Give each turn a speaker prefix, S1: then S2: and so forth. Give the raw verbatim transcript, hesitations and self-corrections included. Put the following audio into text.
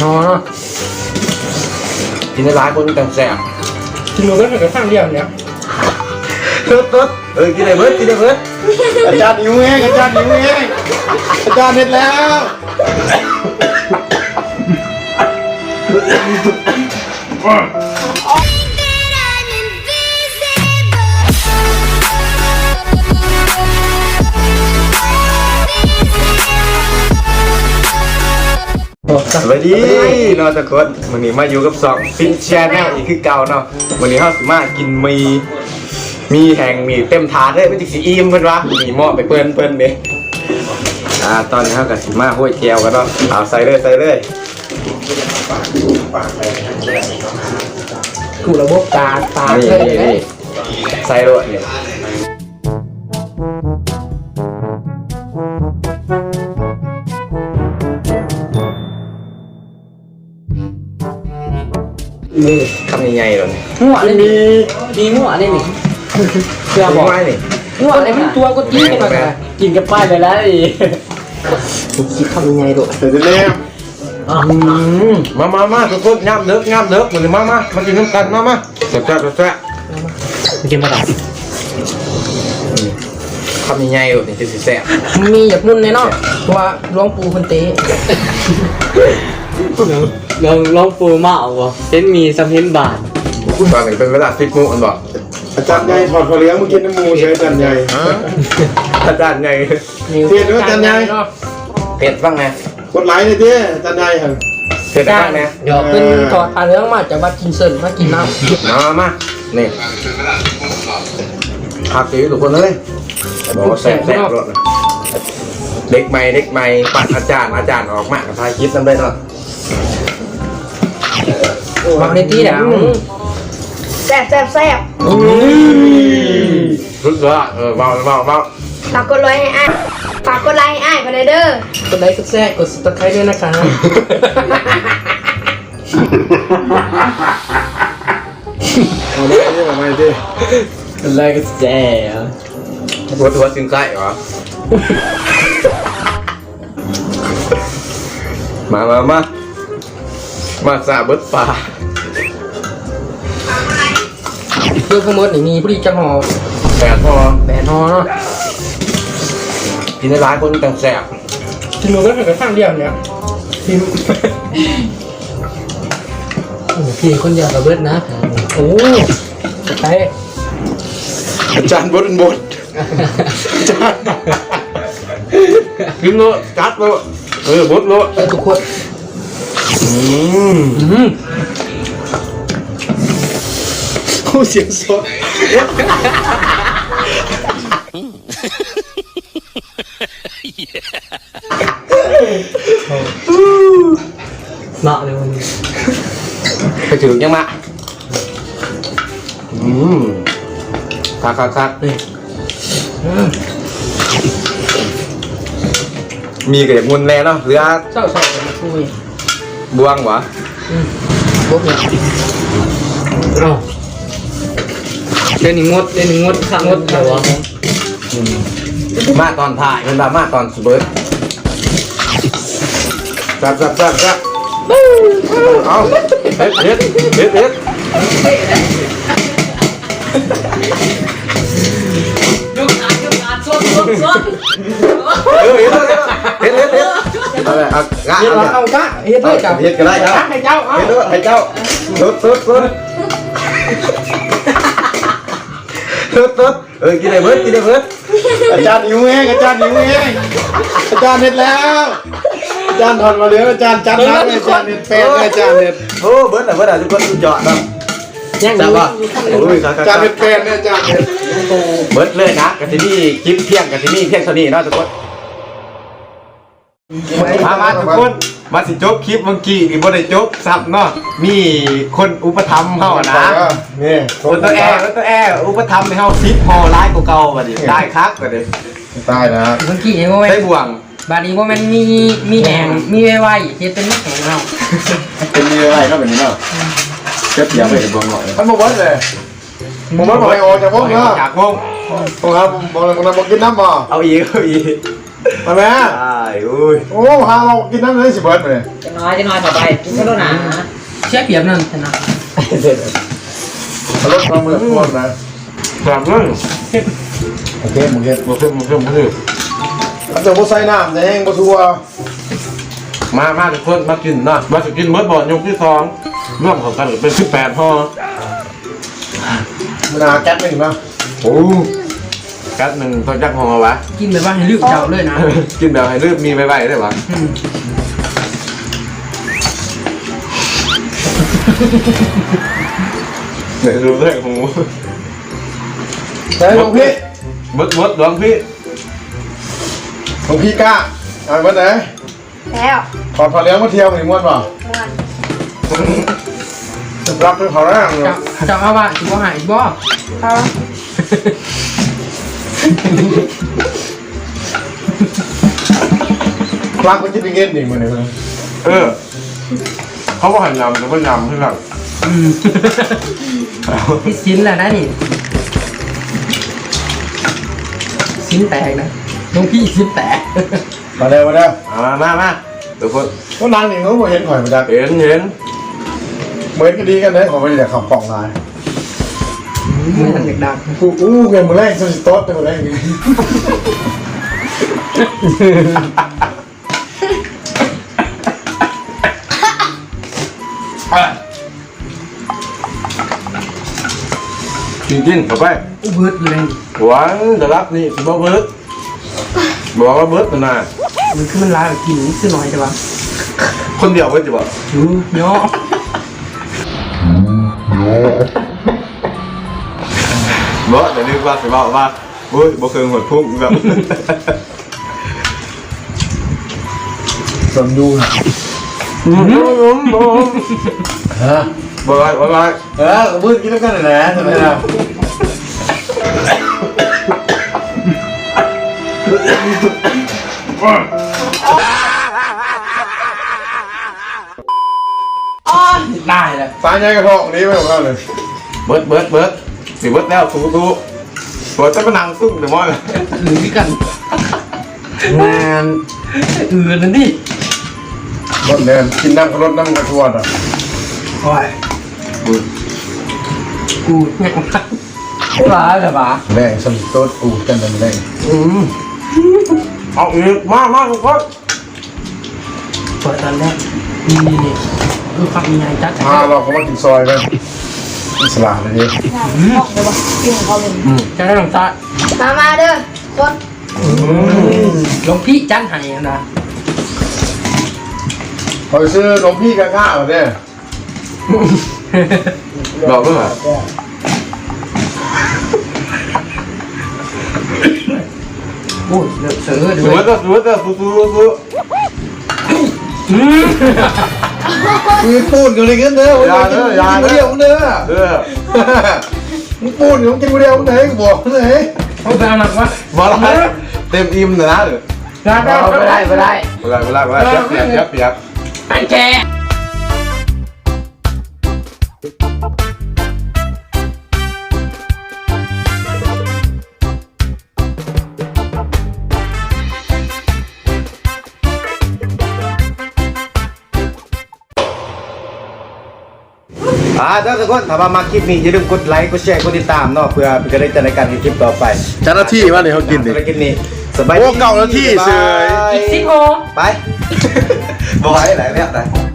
S1: อเนาะ
S2: กินในร้านคนแต่แซ่บ
S1: กินหมูก็เหมือนกับข้างเดียวเนี่ย
S2: ตึ๊ดตึ๊ดเออกินได้เบิร์ดกินได้เบิร์ด
S3: อาจารย์หิวเองอาจารย์หิวเองอาจารย์เด็ดแล้วสวัสดีเนาะทุกคนวันนี้มาอยู่กับสองฟิชแชนแนลอีกคือเก่าเนาะวันนี้เขาสิมากินมีมีแห่งมีเต็มถาดเลยไม่ติดสีอิ่มเพิ่นวะมีหม้อไปเปิ้นเปิ้นเด้อ่าตอนนี้เขากับสิมาห้วยแก้วกันเนาะเอาใส่เลยใส่เลย
S1: กูระบบตาตา
S3: นี่นี่ใส่เลยนี่นี่ทำยังไงหรอเนี่ย
S1: หัวเลยมีมีหัวเลยนี่
S3: เชื่อบอกว่านี่
S1: หัวอะไรมันตัวก็จี้กันมากินกับป้ายไปแล้วอีคิดทำยังไงดู
S3: เดี๋ยวจะเล่มมามามาทุกคนงามเลิกงามเลิกมาเลยมามามากินน้ำกันมามาแซ่บแซ่บแซ่บ
S1: กินมาดับ
S3: ทำยังไงหรอเนี่ยจะแซ่บ
S1: มีอยากนุ่นเลยเนาะเพราะว่าหลวงปู่คนเตะ
S4: ลองลองปูมาเอาวะเห็นมีซัมเห็นบาท
S3: ตอนนี้เป็นเวลาฟิตมูอันบอกอาจารย์ใหญ่ถอดผ้าเหลืองมากินน้ำมูใช้อาจารย์ใหญ่อาจารย์ใหญ่เทียนด้วยอาจารย์ใหญ่เผ็ดบ้างไงกดไลค์เลยดิอาจารย์ใหญ่ครับเผ็ดบ้างไง
S1: เดี๋ยวเป็นถอดผ้าเหลืองมาจากวัดกินเซินมากินน้ำ
S3: มามานี่ผักตีทุกคนเลยบอกว่าแซ่บแซ่บรสนะเด็กใหม่เด็กใหม่ปัดอาจารย์อาจารย์ออกมากับพายคิดนั่นได้เนาะ
S1: บางในที่เนี่ย
S5: แซ่บแซ่บแซ่บ
S3: รู้สึกว่าเออเบาเบาเบา
S5: ฝากกดไลค์ให้อ้ายฝากกดไลค์ให้อ้ายไปเลยเด้อก
S1: ดไลค์กดแชร์กดซับสไครต์ด้วยนะคะ
S3: เอาไม่ได้เอาไม่ได้
S4: กดไลค์กดแชร์
S3: หัวตัวจึงใกล้เหรอมามามามาสาบดปลา
S1: เพื่อขโมยนี่มีผู้ดีจังหอ
S3: แปดพอ
S1: แปดหอเนาะ
S3: กินในร้านคนแต่แสบ
S1: กินหมูก็เหมือนกับข้างเดียวเนี่ยกินโอ้พี่คนเดียวกับเบิร์ดนะโอ้ไป
S3: อาจารย์บดบดอาจารย์กินโลจัดโลเออบดโล
S1: ไปทุกคน
S3: อืมอืมโอ้เสียงสด
S4: มาเลยวันนี้
S3: ไปถึงยังมาอืมคักคักคักนี่มีกับอย่างงุนแน่เนาะเรือ
S1: เศร้าเศร้ามาคุย
S3: บวงวะ
S1: บวงเนี่ย
S4: เอาเดี๋ยวนี้งดเดี๋ยวนี้งดข้างงดเดี๋ยววะ
S3: มาตอนถ่ายเป็นแบบมาตอนสเบิร์ตจับจับจับจับเอาเฮ็ดเฮ็ดเฮ็ดเฮ็ด
S4: ยกขาขึ้นมาชนชนชน
S3: เออเฮ็ดเฮ็ดเฮ็ดเฮ็ดอะไรอ่ะงะ
S1: เอากะเฮ็ดเลยจ้า
S3: เฮ็ดกันได้เจ้า
S1: ให้เจ้า
S3: เฮ็ดด้วยให้เจ้าสุดสุดสุดสุดสุดเออกินได้เบิร์ดกินได้เบิร์ดอาจารย์หิวเองอาจารย์หิวเองอาจารย์เฮ็ดแล้วอาจารย์ถอดมาเหลืออาจารย์จัดน้ำอาจารย์เฮ็ดแป้งอาจารย์เฮ็ดโอ้เบิร์ดน่ะเบิร์ดอ่ะทุกคนดูจอดเนาะ
S1: ยัง
S3: จับป่ะโอ้ยอาจารย์เฮ็ดแป้งเนี่ยอาจารย์เฮ็ดเบิร์ดเลยนะกับที่นี่คลิปเที่ยงกับที่นี่เที่ยงเท่านี้เนาะทุกคนมามาทุกคนมาสิจบคลิปเมื่อกี้อีกบ่ได้จบซับเนาะมีคนอุปถัมภ์เฮานะนี่คนตัวแอร์ตัวแอร์อุปถัมภ์ให้เฮาซิปพอร้ายกว่าเก่าบัดนี้ได้คักบัดนี้ตายนะ
S1: เมื่อกี้เองว่า
S3: ได้บ่วง
S1: บาดนี้ว่ามันมีมีแหงมีไวไวเฮ็ดเป็นแข็งเนาะ
S3: เป็นมีอะไรเนาะแบบนี้เนาะเจ็บอย่าไปบ่วงหน่อยมันบ่เบิดเลยบ่เบิดบ่ให้ออกจากวงเนาะจากวงตรงครับบ่บ่บ่กินน้ำบ่เอาอีกเอาอีก
S2: มาแม่
S3: ใช่อุ้ย
S2: โอ้พาเรากินน้ำเลยสิเบิร์ดเลย
S1: จะน้อยจะน้อยต่อไปกินก็ต้องหนา
S4: เชี่ยเปรียบนั่นชนะ
S2: รถมาเมื่อควรนะ
S3: แบบนั้น
S2: โอเคโอเค
S3: มาขึ้นมาขึ้นมาขึ้น
S2: มันจะบ่ใส่น้ำแดงบ่ทัว
S3: มามาทุกคนมากินนะมาจะกินเมื่อบ่อนยกที่สองร่วมของกันเป็นสิบแปดห่อ
S2: มันหาแก๊สไม่ถึงนะ
S3: โอ้กัดหนึ่งต้องจักห่อวะ
S4: กินแบบว่าให้ลืมเจ้าเลยนะ
S3: กินแบบให้ลืมมีใบใบได้ปะเดี๋ยวดูเรื่องของ
S2: ใส่หลวงพี่
S3: มดมดหลวงพี่
S2: หลวงพี่กล้าเอาเบิร์ดไหน
S5: แล้ว
S2: ขอพอเลี้ยงมาเที่ยวหนึ่งวันป่ะ
S5: ม่วน
S2: รับเป็นขอแรกเลย
S4: เจ้าเจ้าเอาว่าสิบ่หายบ่
S5: เขา
S2: รักมันคิดเป็นเงินหนึ่งมันเลย
S3: เออเขาบอกให้ยำแต่ว่ายำที่หลัง
S4: อืมที่ชิ้นแหละนะนี่ชิ้นแตกนะน้องพี่ชิ้นแตก
S2: มาเร็วมาเร็ว
S3: มามามาทุกคน
S2: ก็นางหนึ่งเขาบอกเห็นข่อยมาจาก
S3: เห็นเห็น
S2: เหมือนกันดีกันเลยขอไปจากขับกล่องลาย
S4: มือทำเด็กดัง
S2: กูอู้เงินมือแรกสสิโต๊ดมือแรก
S3: กินกินเข้าไป
S4: อุบึดเลย
S3: หวานจะรับนี่สิบ่เบิร์ดบอกว่าเบิร์ดนะ
S4: มันคือมันลายแบบกินซื้อหน่อยแต่ว่า
S3: คนเดียวเบิร์ดจะบอก
S4: ดูเนาะ
S3: เบิร์ดแต่นึกว่าสิบอกว่าเฮ้ยบ่เคยหดพุ่งแบบ
S2: สมดูนะ
S3: อืมอืมอืม
S2: ฮะ
S3: บ่ไรบ่ไร
S2: เออมืดกินแล้วกันเลยนะทำไมล่ะ
S4: ได้เลย
S2: ตายใจกระเพาะนี้ไม่ของเราเลย
S3: เบิร์ดเบิร์ดเบิร์ดสิเบิร์ดแล้วสู้สู้เบิร์ดจะมานั่งซุ่มเดี๋ยวมอย
S4: หรือพี่กัน
S2: งาน
S4: เออนั่นดิ
S2: รถเดินกินน้ำกับรถน้ำกระทวดอ่ะ
S4: โอ้ยกูเนี่ยร้ายเลยปะ
S2: แรงสมิโต๊ดกูกันเป็นแรง
S3: อืมเอาอีกมามาทุกคน
S4: เปิดตอนแรกนี่นี่นี่คือความมีงานจัด
S2: พาเราเขามากินซอยกันอิสลามเลยดิ
S5: ออกเลยว่ากินของเขาเลย
S4: จะได้ลงตา
S5: มามาเด้อคน
S4: ลงพี่จันให้นะ
S2: พอซื้อหลวงพี่กับข้าวเนี่ย
S3: บอกด้วย
S4: โอ้ยเดือดเสือ
S3: ส
S4: ด้
S3: ว
S4: วย ย
S3: ก็สวยก็สู้สู้สู้
S2: คือปูนอยู่ในเงี้ยเด้อวันนี้กินคนเดียวเด้อ
S3: เออ
S2: มึงปูนอยู่กินคนเดียวไหนกูบอกไหน
S4: เขาไปเอาหนักวะ
S3: บอกอะไรเต็มอิ่มเลยนะเด้อ
S4: ได้ได้
S1: ไม่ได้ไม่ได้
S3: เวลาเวลาเวลาเปียกเปียกเปียกเปียก
S4: อันแก
S3: อ่าทุกคนถ้ามามาคลิปนี้อย่าลืมกดไลค์กดแชร์กดติดตามเนาะเพื่อเป็นกำลังใจในการทำคลิปต่อไป
S2: เจ้าหน้าที่ว่าเนี่ยเขากินดิ
S3: ภารกิจนี้สบายดี
S2: โอ้เก่าหน้าที่เสย
S4: อีกสิบโม
S3: ไป บ่ไหวหลายแล้วนะ